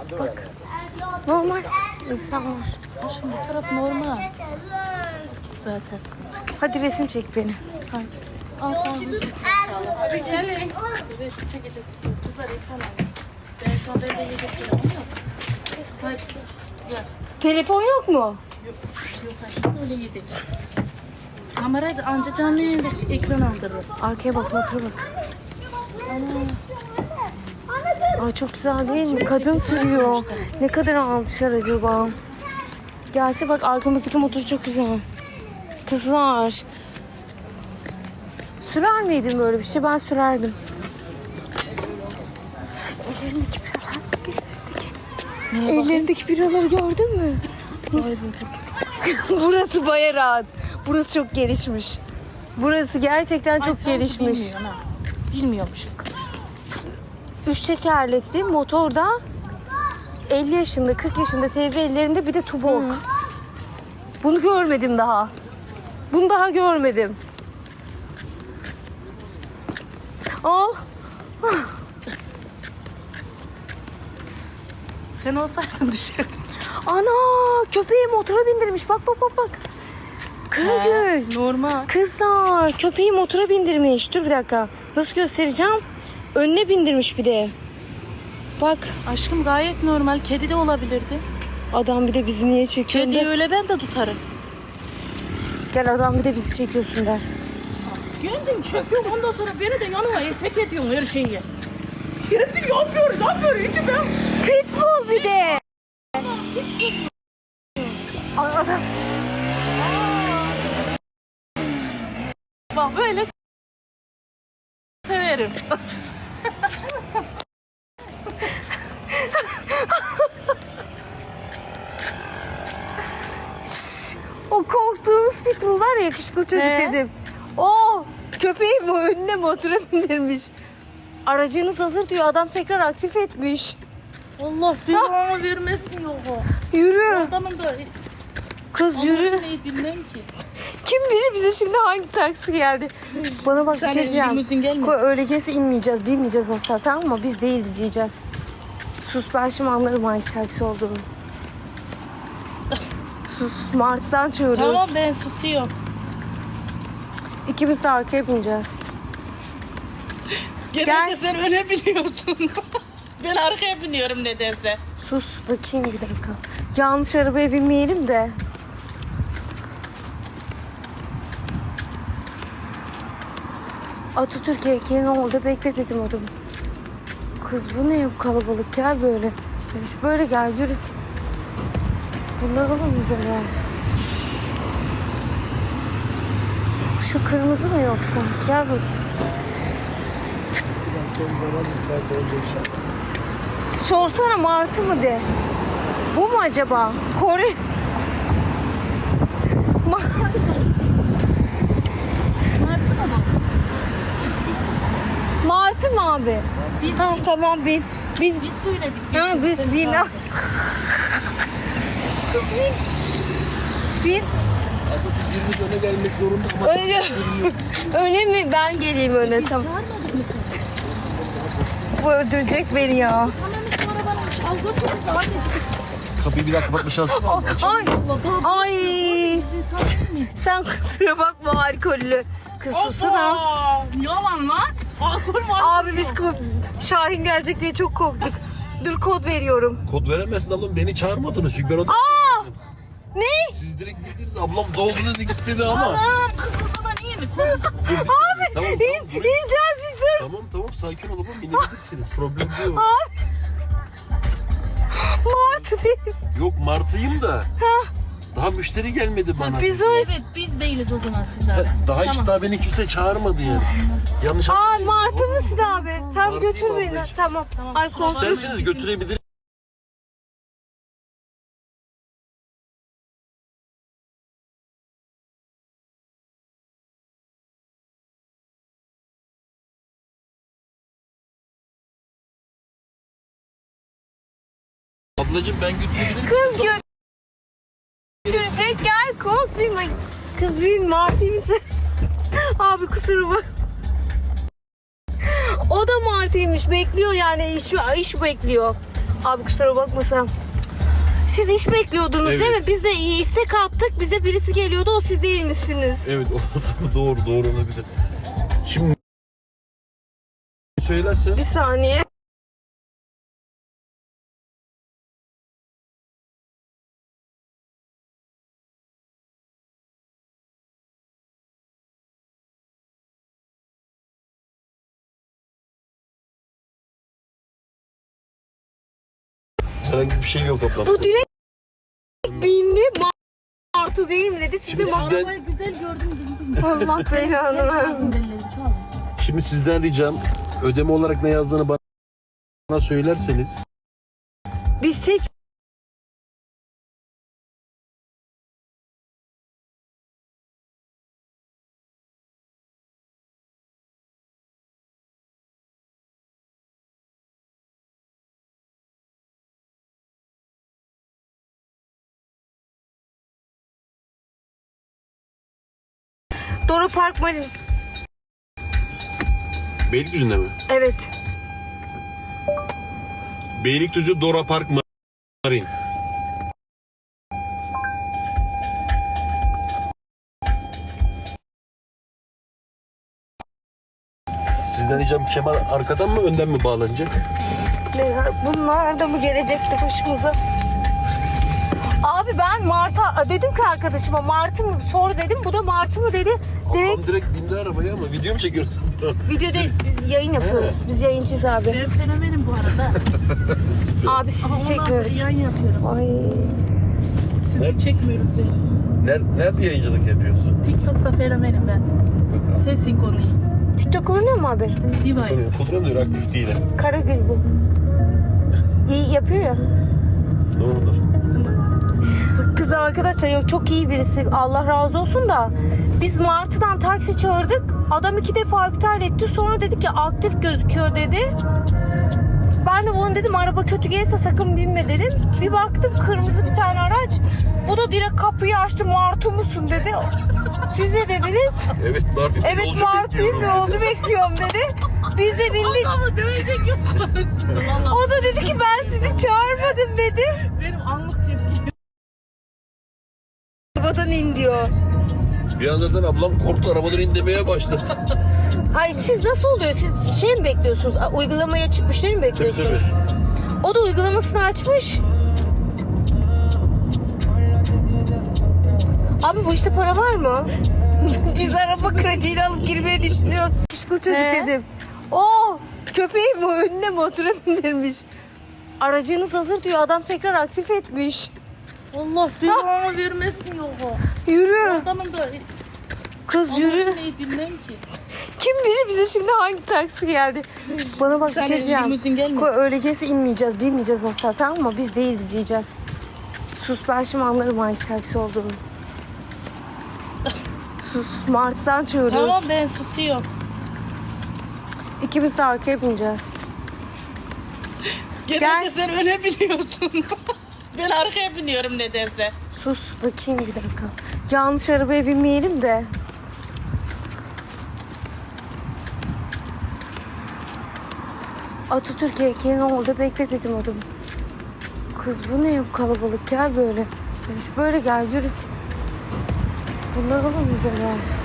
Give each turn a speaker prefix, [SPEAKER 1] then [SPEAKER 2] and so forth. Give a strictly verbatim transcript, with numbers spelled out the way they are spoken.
[SPEAKER 1] Bak. Normal insanlar.
[SPEAKER 2] Ha, şimdi bu taraf normal. Zaten.
[SPEAKER 1] Hadi resim çek beni.
[SPEAKER 2] Hadi. Al sana bir resim Hadi gelin. Resim çekeceğiz. Kızlar ekran alın. Ben şu an evde yiyecek yerim yok. Hadi. Güzel.
[SPEAKER 1] Telefon yok mu?
[SPEAKER 2] Yok. Yok aşkım öyle yedik. Kamerayı da anca canlı yayında ekran aldırır.
[SPEAKER 1] Arkaya bak, motora bak. Ay çok güzel değil mi? Kadın sürüyor. Ne kadar almışlar acaba? Gelse bak, arkamızdaki motor çok güzel. Kızlar. Sürer miydin böyle bir şey? Ben sürerdim. Ellerindeki biralar. Ellerindeki biraları gördün mü? Burası baya rahat. Burası çok gelişmiş. Burası gerçekten çok
[SPEAKER 2] Ay,
[SPEAKER 1] gelişmiş.
[SPEAKER 2] Bilmiyor, ha. Bilmiyormuş.
[SPEAKER 1] Üç tekerlekli motorda elli yaşında, kırk yaşında teyze ellerinde, bir de tubok. Hı. Bunu görmedim daha. Bunu daha görmedim. Al.
[SPEAKER 2] Sen olsaydın düşerdin.
[SPEAKER 1] Ana, köpeği motora bindirmiş. Bak bak bak bak. Kırıgül.
[SPEAKER 2] Normal.
[SPEAKER 1] Kızlar, köpeği motora bindirmiş. Dur bir dakika. Nasıl göstereceğim? Önüne bindirmiş bir de. Bak.
[SPEAKER 2] Aşkım gayet normal. Kedi de olabilirdi.
[SPEAKER 1] Adam bir de bizi niye çekiyor?
[SPEAKER 2] Kediyi öyle ben de tutarım.
[SPEAKER 1] Gel, adam bir de bizi çekiyorsun der.
[SPEAKER 2] Kendin çekiyorum, ondan sonra beni de yanıma tek ediyorsun her şeyi. Kendi yapıyor, ne yapıyor hiç ben.
[SPEAKER 1] Pitbull bir de. Adam.
[SPEAKER 2] Bak böyle severim.
[SPEAKER 1] O korktuğumuz pitbull var ya, yakışıklı çocuk
[SPEAKER 2] He?
[SPEAKER 1] dedim. O köpeği mi önüne motora bindirmiş. Aracınız hazır diyor, adam tekrar aktif etmiş.
[SPEAKER 2] Allah belanı vermesin yok o.
[SPEAKER 1] Yürü.
[SPEAKER 2] Adamın da
[SPEAKER 1] Kız yürü.
[SPEAKER 2] neyi bilmem ki.
[SPEAKER 1] Kim bilir bize şimdi hangi taksi geldi. Bana bak, bir
[SPEAKER 2] Sen
[SPEAKER 1] şey diyeceğim.
[SPEAKER 2] limuzin gelmesin.
[SPEAKER 1] Koy, öyle gelse inmeyeceğiz, binmeyeceğiz asla, tamam mı? Biz değil, izleyeceğiz. Sus, ben şimdi anlarım hangi taksi olduğunu. Sus, Mars'tan çığırıyoruz.
[SPEAKER 2] Tamam ben susuyorum.
[SPEAKER 1] İkimiz de arkaya bineceğiz.
[SPEAKER 2] Genelde sen öyle biliyorsun. Ben arkaya biniyorum nedense.
[SPEAKER 1] Sus, bakayım bir dakika. Yanlış arabaya binmeyelim de. Atatürk heykelinin orada bekle dedim adamı. Kız bu ne bu kalabalık, gel böyle. Böyle gel, yürü. Bunlar olamayız öyle. Şu kırmızı mı yoksa? Gel bakayım. Sorsana, martı mı de. Bu mu acaba? Kore.
[SPEAKER 2] Martı mı bu?
[SPEAKER 1] Martı mı abi?
[SPEAKER 2] Biz,
[SPEAKER 1] Ha, tamam bin. Biz,
[SPEAKER 2] biz söyledik.
[SPEAKER 1] ha, biz
[SPEAKER 2] Seni
[SPEAKER 1] bin.
[SPEAKER 2] çağırdık.
[SPEAKER 1] Kız bin. Bin.
[SPEAKER 3] Birimiz öne gelmek zorunda ama
[SPEAKER 1] Öyle, öyle mi? Ben geleyim öne, tamam.
[SPEAKER 2] Çağırmadık mı seni?
[SPEAKER 1] Bu öldürecek beni ya.
[SPEAKER 2] Tamam işte arabanın al götür bizi hadi.
[SPEAKER 3] kapıyı bir daha kapatma şansın var mı?
[SPEAKER 1] Ay, ay. Sen kusura bakma, alkollü. Kız susana.
[SPEAKER 2] Aa, yalan lan. Alkol var.
[SPEAKER 1] Abi biz ko- Şahin gelecek diye çok korktuk. Dur, kod veriyorum.
[SPEAKER 3] Kod veremezsin ablam, beni çağırmadınız çünkü ben o...
[SPEAKER 1] Aa! Ne?
[SPEAKER 3] Siz direkt gittiniz, ablam doldu dedi gitti dedi ama.
[SPEAKER 2] Anam kız o zaman iyi mi?
[SPEAKER 3] Dur, bir saniye.
[SPEAKER 1] Abi
[SPEAKER 3] Tamam,
[SPEAKER 1] in,
[SPEAKER 3] tamam, buraya-
[SPEAKER 1] ineceğiz biz, dur.
[SPEAKER 3] Tamam tamam sakin ol ablam, inebilirsiniz, problem yok.
[SPEAKER 1] Abi. Martı değil.
[SPEAKER 3] Yok martıyım da. Daha müşteri gelmedi bana.
[SPEAKER 1] Biz o...
[SPEAKER 2] Evet biz değiliz o zaman siz abi.
[SPEAKER 3] Daha hiç
[SPEAKER 2] Tamam.
[SPEAKER 3] daha beni kimse çağırmadı yani. Yanlış
[SPEAKER 1] Aa,
[SPEAKER 3] anlamayın.
[SPEAKER 1] Martı mısın abi? Tamam,
[SPEAKER 3] Martıyım
[SPEAKER 1] götür beni.
[SPEAKER 3] ablacığım.
[SPEAKER 1] Tamam.
[SPEAKER 2] Tamam,
[SPEAKER 1] Ay,
[SPEAKER 2] kusura bakma.
[SPEAKER 1] korktum.
[SPEAKER 3] İsterseniz götürebilirim. Ablacığım ben götürebilirim.
[SPEAKER 1] Kız gö... Götürecek, gel, korkmayayım. Ay, kız büyüğün Martı mısın? Abi kusura bak. O da Martı'ymış, bekliyor yani, iş, iş bekliyor. Abi kusura bakmasam. Siz iş bekliyordunuz
[SPEAKER 3] Evet.
[SPEAKER 1] değil mi? Biz de istek attık. Bize birisi geliyordu. O siz değil misiniz?
[SPEAKER 3] Evet o doğru doğru olabilir. Şimdi söylersen
[SPEAKER 1] Bir saniye.
[SPEAKER 3] herhangi bir şey yok ablam.
[SPEAKER 1] Bu direkt bindi. Martı değil mi dedi. Siz de
[SPEAKER 3] Şimdi
[SPEAKER 1] martı.
[SPEAKER 3] sizden,
[SPEAKER 2] Arabayı güzel gördüm dedim.
[SPEAKER 1] Allah belanı versin.
[SPEAKER 2] Belleri çoğaldı.
[SPEAKER 3] şimdi sizden ricam ödeme olarak ne yazdığını bana, bana söylerseniz.
[SPEAKER 1] Biz seç. Dora Park Marin.
[SPEAKER 3] Beylikdüzü'nde mi?
[SPEAKER 1] Evet.
[SPEAKER 3] Beylikdüzü Dora Park Marin. Sizden ricam kemer arkadan mı önden mi bağlanacak?
[SPEAKER 1] Ne- Bunlar da mı gelecekti başımıza? Abi ben Mart'a dedim ki arkadaşıma Martı mı sor dedim. Bu da Martı mı dedi. Direkt
[SPEAKER 3] Ablam direkt bindi arabaya ama video mu çekiyoruz?
[SPEAKER 1] video değil, biz yayın yapıyoruz. Biz yayıncıyız abi.
[SPEAKER 2] Ben fenomenim bu arada.
[SPEAKER 1] Abi sizi
[SPEAKER 2] Ama ondan sonra
[SPEAKER 1] çekmiyoruz.
[SPEAKER 2] yayın yapıyorum.
[SPEAKER 1] Ay.
[SPEAKER 2] Sizi çekmiyoruz diye.
[SPEAKER 3] Nerede, nerede yayıncılık yapıyorsun?
[SPEAKER 2] TikTok'ta fenomenim ben. Ses sinkronuyu.
[SPEAKER 1] TikTok kullanıyor mu abi?
[SPEAKER 2] Diva'yı.
[SPEAKER 3] Kullanıyor, aktif değil.
[SPEAKER 1] Karagül bu. İyi yapıyor ya.
[SPEAKER 3] Doğrudur.
[SPEAKER 1] Kız arkadaşlar yok çok iyi birisi. Allah razı olsun da biz Martı'dan taksi çağırdık. Adam iki defa iptal etti. Sonra dedi ki aktif gözüküyor dedi. Ben de bunu dedim araba kötü gelirse sakın binme dedim. Bir baktım kırmızı bir tane araç. Bu da direkt kapıyı açtı. Martı musun dedi. Siz ne dediniz?
[SPEAKER 3] Evet, Martı.
[SPEAKER 1] Evet Martı'yım yolcu bekliyorum dedi. Biz de bindik.
[SPEAKER 2] Ama dövecek yok. Vallahi
[SPEAKER 1] O da dedi ki ben sizi çağırmadım dedi.
[SPEAKER 2] benim anlık tepki.
[SPEAKER 1] Arabadan in diyor.
[SPEAKER 3] Bir anda zaten ablam korktu, arabadan in demeye başladı.
[SPEAKER 1] Hayır siz nasıl oluyor? Siz şey mi bekliyorsunuz? A, Uygulamaya çıkıp müşteri mi
[SPEAKER 3] Tabii
[SPEAKER 1] bekliyorsunuz?
[SPEAKER 3] tabii.
[SPEAKER 1] O da uygulamasını açmış. Abi bu işte para var mı? Biz araba krediyle alıp girmeye düşünüyoruz. Kışkıl çocuk
[SPEAKER 2] He?
[SPEAKER 1] dedim. Oo, köpeği mi önüne motora bindirmiş. Aracınız hazır diyor. Adam tekrar aktif etmiş.
[SPEAKER 2] Allah belanı vermesin yok o.
[SPEAKER 1] Yürü.
[SPEAKER 2] Adamın da
[SPEAKER 1] Kız yürü.
[SPEAKER 2] neyi bilmem ki.
[SPEAKER 1] Kim bilir bize şimdi hangi taksi geldi. Bana bak bir
[SPEAKER 2] Sen
[SPEAKER 1] şey diyeceğim.
[SPEAKER 2] limuzin gelmesin.
[SPEAKER 1] Ko- Öyle gelse inmeyeceğiz, binmeyeceğiz asla tamam mı? Biz değil izleyeceğiz. Sus ben şimdi anlarım hangi taksi olduğunu. Sus Martı'dan çığırıyoruz.
[SPEAKER 2] Tamam ben susuyorum.
[SPEAKER 1] İkimiz de arkaya bineceğiz.
[SPEAKER 2] Genelde
[SPEAKER 1] Gel.
[SPEAKER 2] sen öyle biliyorsun. Ben arkaya biniyorum nedense.
[SPEAKER 1] Sus bakayım bir dakika. Yanlış arabaya binmeyelim de. Atatürk heykelini orada bekle dedim adamı. Kız bu ne bu kalabalık gel böyle. Böyle gel yürü. Bunlar olamayız herhalde.